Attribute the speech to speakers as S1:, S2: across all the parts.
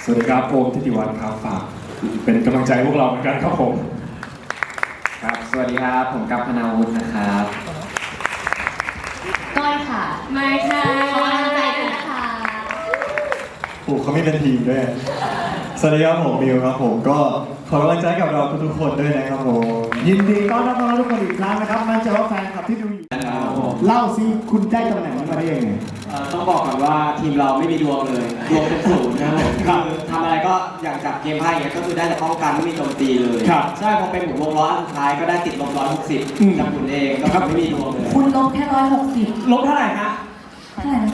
S1: วัสดีครับโอมทิติวัฒน์ครับฝากเป็นกำลังใจพวกเราเหมือนกันครับผม
S2: ครับสวัสดีครับผมกัปพนาวุฒินะครับ
S3: ก้อยค่ะไม่ค่ะขอกำลังใจด้วยนะคะ
S4: โอ้เขาไม่เป็นทีมด้วยสวัสดีครับผมมิวครับผมก็ขอกำลังใจกับเราทุกคนด้วยนะครับผม
S5: ยินดีต้อนรับน้องๆทุกคนอีกครั้งนะครับมั่นใจว่าแฟนคลับที่ดูอยู่เล่าซิคุณได้ตำแหน่งนี้มาได้ยังไง
S2: ต้องบอกก่อนว่าทีมเราไม่มีดวงเลยดวงเป็นศูนย์นะครับคือทำอะไรก็อย่างจากเกมไพ่เนี่ยก็คือได้แต่ป้องกันไม่มีโจมตีเลยใช่พอเป็นหมุนวงล้ออันสุดท้ายก็ได้ติดลบ160จากหมุนเองก็ไม่มีดวงเลย
S3: คุณลบแค่160
S2: ลบเท่าไหร่ฮะ
S3: เท่าไหร่นะ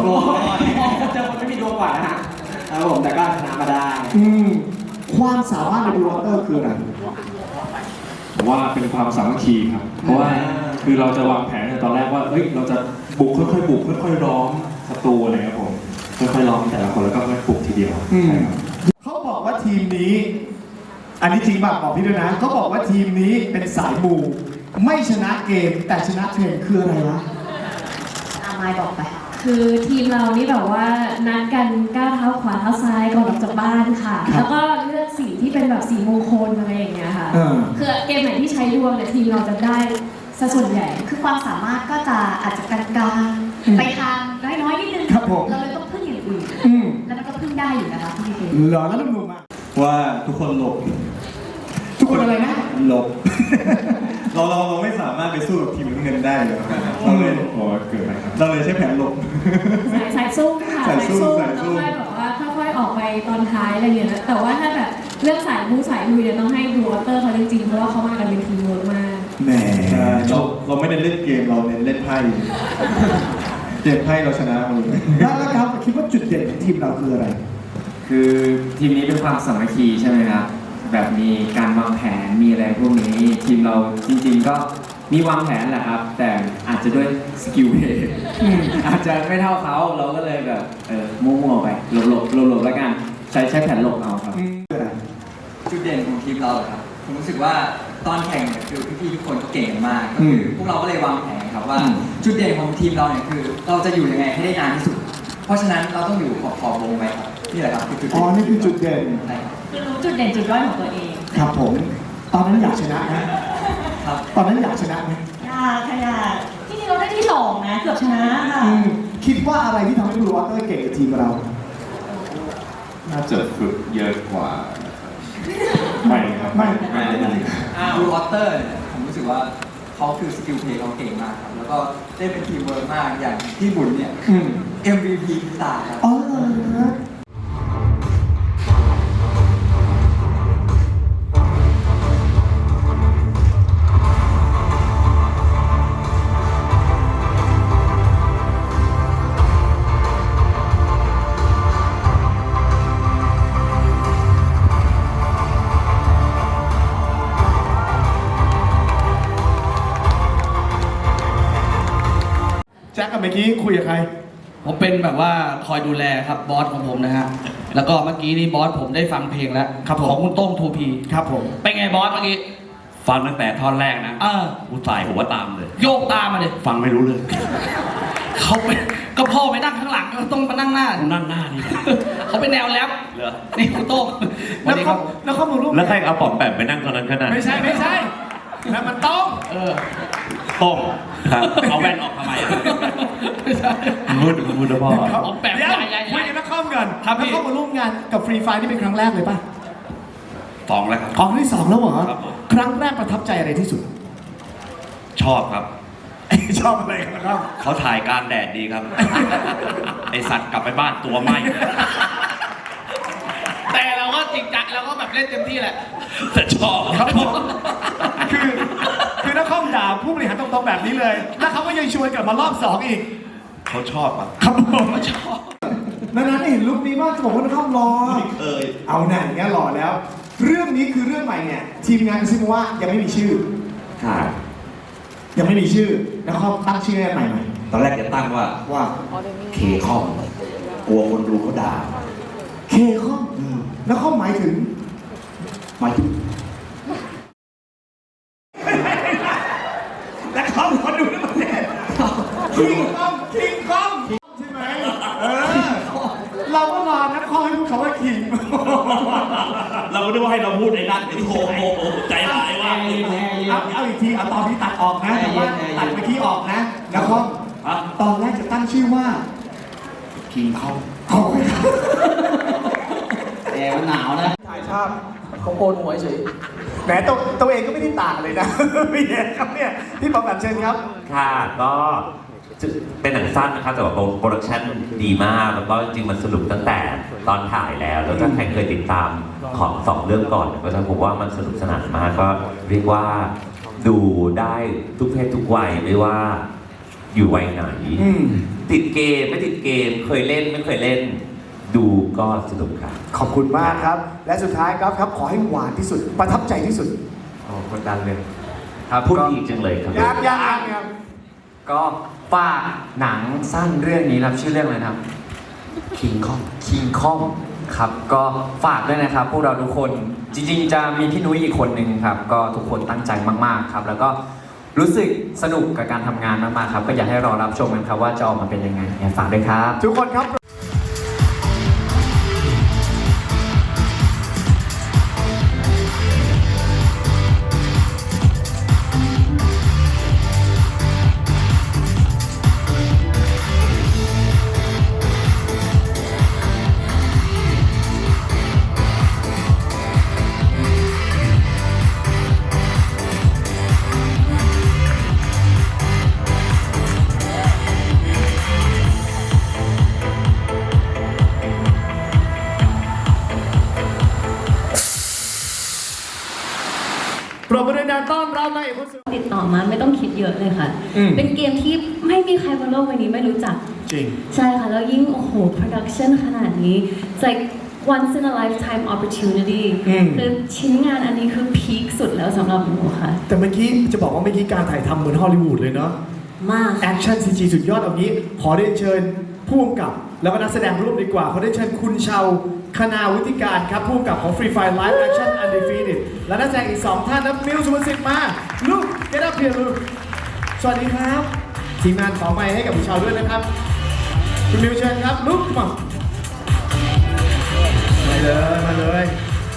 S3: 200
S2: เจอคนไม่มีดวงกว่านะฮะครับผมแต่ก็ชนะมาได้
S5: ความสามารถในดูวอเตอร์คืออะไร
S1: ผมว่าเป็นความสามัคคีครับเพราะว่าคือเราจะวางแผนในตอนแรกว่าเฮ้ยเราจะบุกค่อยๆบุกค่อยๆล้อมศัตรูอะไรครับผมค่อยๆล้อมแต่ละคนแล้วก็ค่อยๆบุกทีเดียว
S5: เขาบอกว่าทีมนี้อันนี้จริงป่ะบอกพี่ด้วยนะเขาบอกว่าทีมนี้เป็นสายมูไม่ชนะเกมแต่ชนะเทรนคืออะไรวะ
S3: มายบอกไปคือทีมเรานี่แบบว่านัดกันก้าวเท้าขวาเท้าซ้ายก่อนออกจากบ้านค่ะแล้วก็เลือกสีที่เป็นแบบสีมงคลอะไรอย่างเงี้ยค่ะคือเกมไหนที่ใช้ดวงเนี่ยทีมเราจะได้ซะส่วนใหญ่คือความสามารถก็จะอาจจะกลางๆไปทางน้อยๆนิดนึงเราเลยต้องพึ่งอย่างอื่นแล้วมันก็พึ่งได้อยู่นะคะพี่เคน
S5: หรอแล้วนุ่มๆอ่ะ
S4: ว่าทุกคนหลบ
S5: ทุกคนอะไรนะ
S4: หลบเราไม่สามารถไปสู้กับทีมน้ำเงินได้เลยเราเลย
S1: เกิดอะไรครับ
S4: เราเลยใช้แผนหลบ
S3: สายสู้ค่ะสายสู้แล้วค่อยแบบว่าค่อยๆออกไปตอนท้ายอะไรอย่างเงี้ยแต่ว่าถ้าแบบเรื่องสายบู๊สายลุยเนี่ยต้องให้ดูวอเตอร์เขาจริงๆเพราะว่าเขามากันเป็นทีมเวิร์กมาก
S4: แหมเราไม่ได้เล่นเกมเราเน้นเล่นไพ่เกมไพ่เราชนะมัน
S5: แล้วครับคิดว่าจุดเด่นของทีมเราคืออะไร
S2: คือทีมนี้เป็นความสามัคคีใช่ไหมครับแบบมีการวางแผนมีอะไรพวกนี้ทีมเราจริงๆก็มีวางแผนแหละครับแต่อาจจะด้วยสกิลเพย์อาจจะไม่เท่าเขาเราก็เลยแบบมั่วๆไปหลบแล้วกันใช้แผนหลบเอาครับ
S6: จุดเด่นของทีมเราครับผมรู้สึกว่าตอนแข่งเนี่ยคือพี่ๆทุกคนก็เก่งมากก็คือพวกเราก็เลยวางแผนครับว่าจุดเด่นของทีมเราเนี่ยคือเราจะอยู่ยังไงให้ได้นานที่สุดเพราะฉะนั้นเราต้องอยู่ขอบวงไปครับนี่แหละครับคือจุดเด่น
S5: นี่คือจุดเด่น
S3: คือรู้จุดเด่นจุดด้อยของตัวเอง
S5: ครับผมตอนนั้นอยากชนะนะครับตอนนั้นอยากชนะไหม
S3: อยากค่ะอยากที่จริงเราได้ที่2นะเกือบชนะค่ะ
S5: คิดว่าอะไรที่ทำให้บลูวอเตอร์เก่งกับทีมเรา
S1: น่าจะฝึกเยอะกว่าไม่ครับไม่
S6: บลูวอเตอร์ผมรู้สึกว่าเขาคือสกิลเพลย์เขาเก่งมากครับแล้วก็ได้เป็นทีมเวิร์กมากอย่างที่บุญเนี่ยMVP พิศาจครับ
S5: อ๋อแจ็คกับเมื่อกี้คุยกับใคร
S7: ผมเป็นแบบว่าคอยดูแลครับบอสของผมนะฮะแล้วก็เมื่อกี้นี่บอสผมได้ฟังเพลงแล้วของคุณโต้งทูพี
S5: ครับผม
S7: เป็นไงบอสเมื่อกี้
S8: ฟังตั้งแต่ท่อนแรกนะกูสายหัวตามเลย
S7: โยกตามมาเลย
S8: ฟังไม่รู้เลย
S7: เขาเป็นก็พ่อไปนั่งข้างหลังก็ต้องมานั่งหน้า
S8: นั่งหน้านี่
S7: เขาเป็นแนวแรปเหรอนี่คุณโต้ง
S5: แล้วเขามาร่วม
S8: แล้วใครเอาปอมแปมไปนั่งตอนนั้นขนาด
S5: ไม่ใช่แล้วมันต้อง
S8: ต้มเอาแว่นออกทำไมมืดนะพ่อ
S7: ปอมแปม
S5: ใหญ่คุยกันนักข้อมกันแล้วเข้ามาร่วมงานกับฟรีไฟนี่เป็นครั้งแรกเลยป่ะ
S8: 2แล้วครับ
S5: ครั้งที่2แล้วเหรอครั้งแรกประทับใจอะไรที่สุด
S8: ชอบครับ
S5: ชอบอะไรครับ
S8: เขาถ่ายการแดดดีครับไอสัตว์กลับไปบ้านตัวไหม
S7: แต่เราก็จริงจังเราก็แบบเล่นเต็มที่แหละ
S8: แต่ชอบ
S5: ครับคือนักข้อมด่าผู้บริหารตรงๆแบบนี้เลยแล้วเขาก็ยังชวนกลับมารอบ2อีก
S8: เขาชอบ
S5: ครับผมชอบนั้นเห็นลุคนี้ว่าจะบอกว่านักข้อมรอเอาหน่าอย่างเงี้ยหล่อแล้วเรื่องนี้คือเรื่องใหม่เนี่ยทีมงานกระซิบมาว่ายังไม่มีชื่อยังไม่มีชื่อแล้วเขาตั้งชื่อใหม่
S8: ตอนแรกจะตั้งว่าเคคอมกลัวคนดูเขาด่า
S5: เคคอมแล้วเขาหมายถึงแล้วเขาคนดูทั้งประเทศคิงคอมใช่ไหมเราก็รอนักข้อให้พูดคำว่าคิง
S8: เราก็นึกว่าให้เราพูดในนั้นโอ้โหใจร้ายว่ะ
S5: เอาอีกทีเอาตอนนี้ตัดออกนะแต่ว่าตัดเมื่อกี้ออกนะนะครับตอนแรกจะตั้งชื่อว่า
S8: คิงเข้า
S7: แต่มันหนาวนะ ถ่ายภาพเขาโกนหัวเฉย
S5: แหมตัวเองก็ไม่ได้ต่างเลยนะ พี่เอกครับเนี่ยพี่ปอมแบบเชิญครับ
S9: ค่ะก็เป็นหนังสั้นนะครับแต่ว่าโปรดักชันดีมากแล้วก็จริงๆมันสนุกตั้งแต่ตอนถ่ายแล้วถ้าใครเคยติดตามของสองเรื่องก่อนก็จะพบว่ามันสนุกสนานมากก็เรียกว่าดูได้ทุกเพศทุกวัยไม่ว่าอยู่วัยไหนติดเกมไม่ติดเกมเคยเล่นไม่เคยเล่นดูก็สนุกครับ
S5: ขอบคุณมากครับ และสุดท้ายครับขอให้หวานที่สุดประทับใจที่สุด
S2: โอ้กดดันเลย
S9: ครับพูดอีกจังเลยครับ
S5: ยัง
S2: ก็ฝากหนังสั้นเรื่องนี้ครับชื่อเรื่องอะไรนะครับ
S8: คิงเข้า
S2: King Kong ครับก็ฝากด้วยนะครับพวกเราทุกคนจริงๆจะมีพี่นุ้ยอีกคนหนึ่งครับก็ทุกคนตั้งใจมากๆครับแล้วก็รู้สึกสนุกกับการทำงานมากๆครับก็อยากให้รอรับชมกันครับว่าจะออกมาเป็นยังไงฝากด้วยครับ
S5: ทุกคนครับ ปรบมือดังๆต้อนรับนายเอกคนสวย
S3: ติดต่อมาไม่ต้องคิดเยอะเลยค่ะ เป็นเกมที่ไม่มีใครบนโลกใบนี้ไม่รู้จัก
S5: จริง
S3: ใช่ค่ะ แล้วยิ่งโอ้โห production ขนาดนี้ it's like once in a lifetime opportunity คือชิ้นงานอันนี้คือพีคสุดแล้วสำหรับหนูค่ะ
S5: แต่เมื่อกี้จะบอกว่าเมื่อกี้การถ่ายทำเหมือนฮอลลีวูดเลยเนาะ
S3: มาก
S5: แอคชั่นซีจีสุดยอดเอางี้ ขอเรียนเชิญผู้กำกับ แล้วก็นักแสดงร่วมดีกว่า ขอเรียนเชิญคุณชาวคณาวุฒิการครับผู้กำกับของ Free Fire Live Action Undefeated และนักแสดงอีก 2 ท่านนะมิวสุวรรณสิทธิ์มาลูก get up here ลูกสวัสดีครับ ทีมงานขอไมค์ให้กับคุณชาวด้วยนะครับ คุณมิวเชิญครับลูกมามาเลย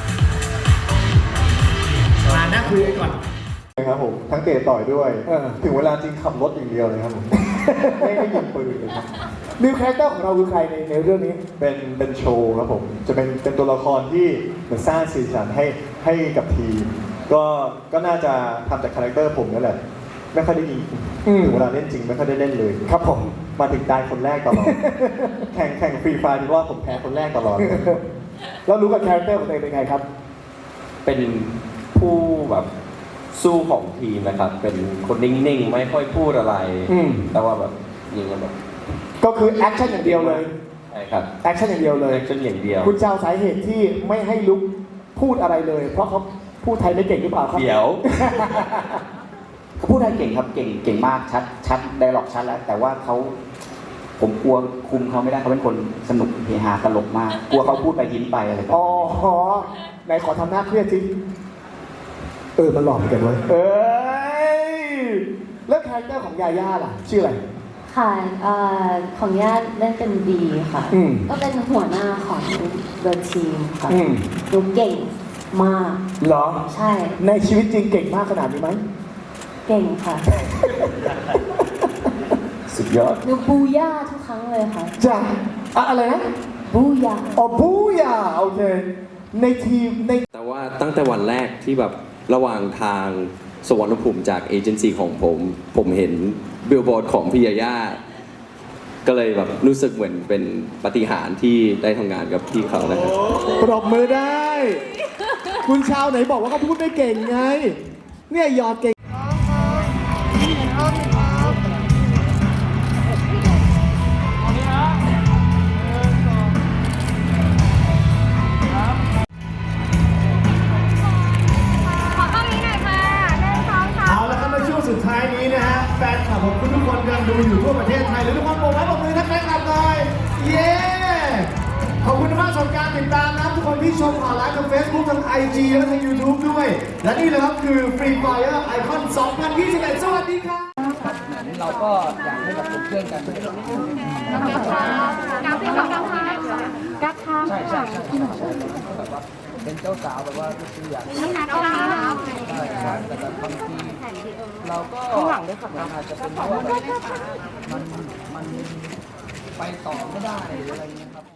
S5: มานั่งคุยกันก่อน
S4: ครับผมทั้งเตะต่อยด้วย ถึงเวลาจริงขับรถอย่างเดียวเลยครับผม ไม่ยิงปืนเลยครับ
S5: มิวคาแรคเตอร์ของเราคือใครในเรื่องนี้
S4: เป็นโชว์ครับผมจะเป็นตัวละครที่เหมือนสร้างสีสันให้กับทีมก็น่าจะทำจากคาแรคเตอร์ผมนั่นแหละไม่ค่อยได้ยิงถึงเวลาเล่นจริงไม่ค่อยได้เล่นเลยครับผมมาถึงตายคนแรกตลอด แข่งฟรีไฟร์ที่ว่าผมแพ้คนแรกตลอด
S5: แล้วรู้กับคาแรคเตอร์ของตัวเองเป็นไงครับ
S10: เป็นผู้แบบสู้ของทีมนะครับ เป็นคนนิ่งๆ ไม่ค่อยพูดอะไร แต่ว่าแบบยิงกันแบบ
S5: ก็คือแอคชั่นอย่างเดียวเลย
S10: ใช่ครับ
S5: แอคชั่นอย่างเดียวเลย
S10: จนอย่างเดียว
S5: คุณเจ้าสาเหตุที่ไม่ให้ลุกพูดอะไรเลย เพราะเขาพูดไทยไม่เก่งหรือเปล่าครับ
S10: เดี๋ยว
S8: เขาพูดไทยเก่งครับเก่งมากชัดไดร็อกชัดแล้ว แต่ว่าผมกลัวคุมเขาไม่ได้เขาเป็นคนสนุกเฮฮาตลกมาก กลัวเขาพูดไปยิ้มไปอะไรแบบ
S5: อ๋อไหนขอทำหน้าเครียดสิมันหลอกเหมือนกันเว้ยแล้วคาแรคเตอร์ของยาย่าล่ะ ชื่ออะไร
S3: ค่ะของญาติเล่นเป็นดีค่ะ ก็เป็นหัวหน้าของเดอะทีมค่ะหนูเก่งมาก
S5: เหรอ
S3: ใช่
S5: ในชีวิตจริงเก่งมากขนาดนี้ไหม
S3: เก่งค่ะ
S5: สุดยอด
S3: หนูบูย่าทุกครั้งเลยค่ะ
S5: จ้ะอะไรนะ
S3: บูย่า
S5: อ๋อบูย่าโอเค ในทีมใน
S10: แต่ว่าตั้งแต่วันแรกที่แบบระหว่างทางสวรรณภูมิจากเอเจนซี่ของผมเห็นบิลบอร์ดของพี่ยาย่าก็เลยแบบรู้สึกเหมือนเป็นปาฏิหาริย์ที่ได้ทำงานกับพี่เขานะครับ
S5: ปรบมือได้ คุณชาวไหนบอกว่าเขาพูดไม่เก่งไง เนี่ยหยอดเก่ง เอาละครับในช่วงสุดท้ายนี้นะฮะแฟนคลับของคุณทุกคนกำลังดูอยู่ทั่วประเทศไทยหรือทุกคนโบกไม้โบกมือทักแฟนคลับหน่อยเย้ขอบคุณมากสำหรับการติดตามนะครับทุกคนที่ชมผ่านไลฟ์ทาง Facebook ทาง IG และทาง YouTube ด้วย และนี่เลยครับคือ Free Fire Icon 2021 สวัสดีครับ
S7: เราก็อยากให้แบบเป็นเพื่อนกันใช่
S11: เป็นเจ้าสาวแบบว่าคืออยาก
S12: นี่นะก็ได้นะ
S11: ได้ครับแต่แบบบางทีเราก็อาจจะเป็นเพราะว่าแบบมันไปต่อไม่ได้หรืออะไรเงี้ยครับ